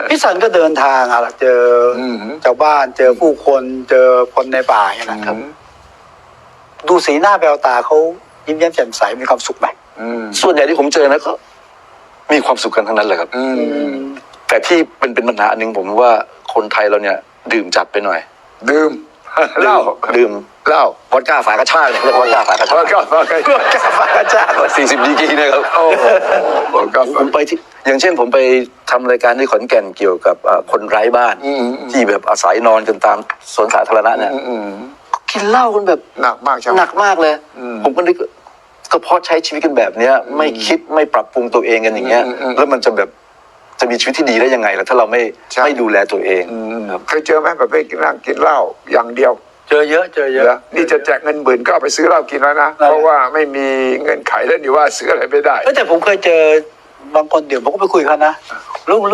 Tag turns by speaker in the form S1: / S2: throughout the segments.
S1: พี่สันก็เดินทางอะเจอชาวบ้านเจอผู้คนเจอคนในป่าอย่างนั้นครับดูสีหน้าแววตาเขายิ้มแย้มแจ่มใสมีความสุขไหม
S2: ส่วนใหญ่ที่ผมเจอนะก็มีความสุขกันทั้งนั้นเลยครับแต่ที่เป็นปัญหาอันหนึ่งผมว่าคนไทยเราเนี่ยดื่มจัดไปหน่อย
S3: ดื่มเหล้า
S2: ดื่มเหล้าวอดก้าฝากระชากเนี่ยเรียกวอดก้าฝากระชาก
S3: วอดก้าฝากระชาก
S2: 40 ดีกรีนะครับผมไปที่อย่างเช่นผมไปทำรายการที่ขอนแก่นเกี่ยวกับคนไร้บ้านที่แบบอาศัยนอนกันตามสวนสาธารณะเนี่ยกินเหล้ากันแบบ
S3: หนักมากใช่ไหม
S2: หนักมากเลยผมก็นึกก็เพราะใช้ชีวิตกันแบบเนี้ยไม่คิดไม่ปรับปรุงตัวเองกันอย่างเงี้ยแล้วมันจะแบบจะมีชีวิตที่ดีได้ยังไงล่ะถ้าเราไม่ดูแลตัวเอง
S3: เคยเจอไหมแบบไปนั่งกินเหล้าอย่างเดียว
S1: เจอเยอะ
S3: นี่จะแจกเงิน10,000ก็เอาไปซื้อเหล้ากินแล้วนะเพราะว่าไม่มีเงินไขแล้วนี่ว่าซื้ออะไรไม่ได้
S1: แต่ผมเคยเจอบางคนเดี๋ยวผมก็ไปคุยเขานะลุง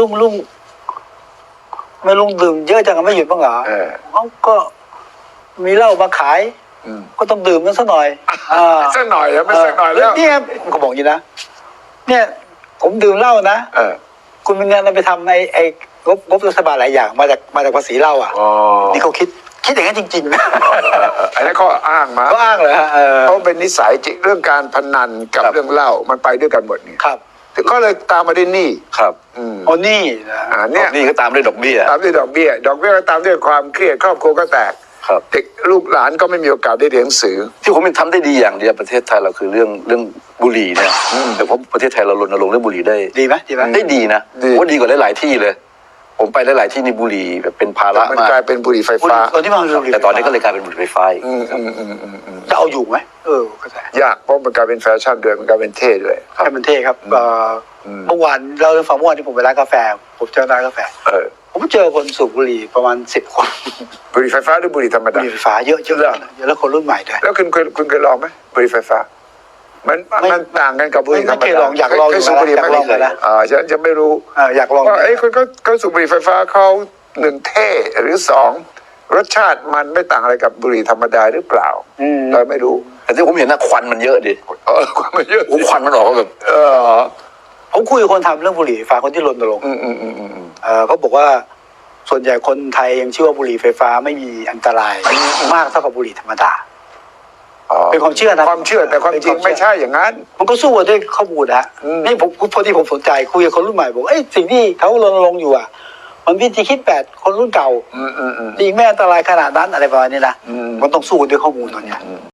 S1: ไม่ลุงดื่มเยอะจังไม่หยุดบ้างเหรอเขาก็มีเหล้ามาขายก็ต้องดื่มมันสักหน่อย
S3: สักหน่อยแล้วไม่สักหน่อยแล้ว
S1: เนี่ยผมก็บอกอย่างนี้นะเนี่ยผมดื่มเหล้านะคุณมีเงินเอาไปทำไอ้งบรัฐบาลหลายอย่างมาจากภาษีเหล้านี่เขาคิดอย่างนั้นจริงๆนะ
S3: อันนั้นเขาอ้างมา
S1: เขาอ้างเลย
S3: เขาเป็นนิสัยจริงเรื่องการพนันกับเรื่องเหล้ามันไปด้วยกันหมดนี่
S1: ครับ
S3: ก็เลยตามมาด้วยหนี้
S2: ครับ
S1: นี่
S2: เนี่ยนี่ก็ตามด้วยดอกเบี้ย
S3: ตามด้วยดอกเบี้ยก็ตามด้วยความเครียดครอบครัวก็แตกเด็กลูกหลานก็ไม่มีโอกาสได้เรียนหนังสือ
S2: ที่ผมทำได้ดีอย่างเดียวประเทศไทยเราคือเรื่องบุหรี่เนี่ยแต่ผมประเทศไทยเรารณรงค์เรื่องบุหรี่ได้
S1: ดีไหม
S2: ได้ดีนะว่าดีกว่าหลายๆที่เลยผมไปหลายๆที่ในบุหรี่แบบเป็นภาระ
S3: มันกลายเป็นบุหรี่ไฟฟ้า
S2: แต่ตอนนี้ก็เลยกลายเป็นบุหรี่ไฟฟ้า
S1: จะเอาอยู่ไหมก็ได้
S3: ยากเพราะมันกลายเป็นแฟชั่นด้วยมันกลายเป็นเท่ด้วย
S1: ให้มันเท่ครับเมื่อวานเราฟังเมื่อวานที่ผมไปร้านกาแฟผมเจอร้านกาแฟผมเจอคนสูบบุหรี่ประมาณ10 คน
S3: บุหรี่ไฟฟ้าหรือบุหรี่ธรรมดา
S1: บุหรี่ไฟฟ้าเยอะแล้วคนรุ่นใหม่ด้วย
S3: แล้วคุณเคยลองไหมบุหรี่ไฟฟ้ามันต่างกันกับบุหรี่ธรรมดา
S1: อยากลอง
S3: สูบบุหรี่ไม่เคยฉันจะไม่รู้
S1: อยากลอง
S3: ว่าคนก็สูบบุหรี่ไฟฟ้าเขา1เท่หรือ2รสชาติมันไม่ต่างอะไรกับบุหรี่ธรรมดาหรือเปล่าเราไม่รู้
S2: แต่ที่ผมเห็นนะควันมันเยอะดิ
S3: ควันมันเยอะ
S2: ควันมันออกแบบ
S1: ผมคุยกับคนทำเรื่องบุหรี่ไฟฟ้าคนที่รณรงค์เขาบอกว่าส่วนใหญ่คนไทยยังเชื่อว่าบุหรี่ไฟฟ้าไม่มีอันตรายมากเท่ากับบุหรี่ธรรมดาเป็นความเชื่อนะ
S3: ความเชื่อแต่ความจริงไม่ใช่อย่างนั้น
S1: มันก็สู้ด้วยข้อมูลนะนี่ผมพอที่ผมสนใจคุยกับคนรุ่นใหม่บอกสิ่งที่เขารณรงค์อยู่มันวิธีคิดแบบคนรุ่นเก่าจริงไม่อันตรายขนาดนั้นอะไรประมาณนี้นะมันต้องสู้ด้วยข้อมูลตอนนี้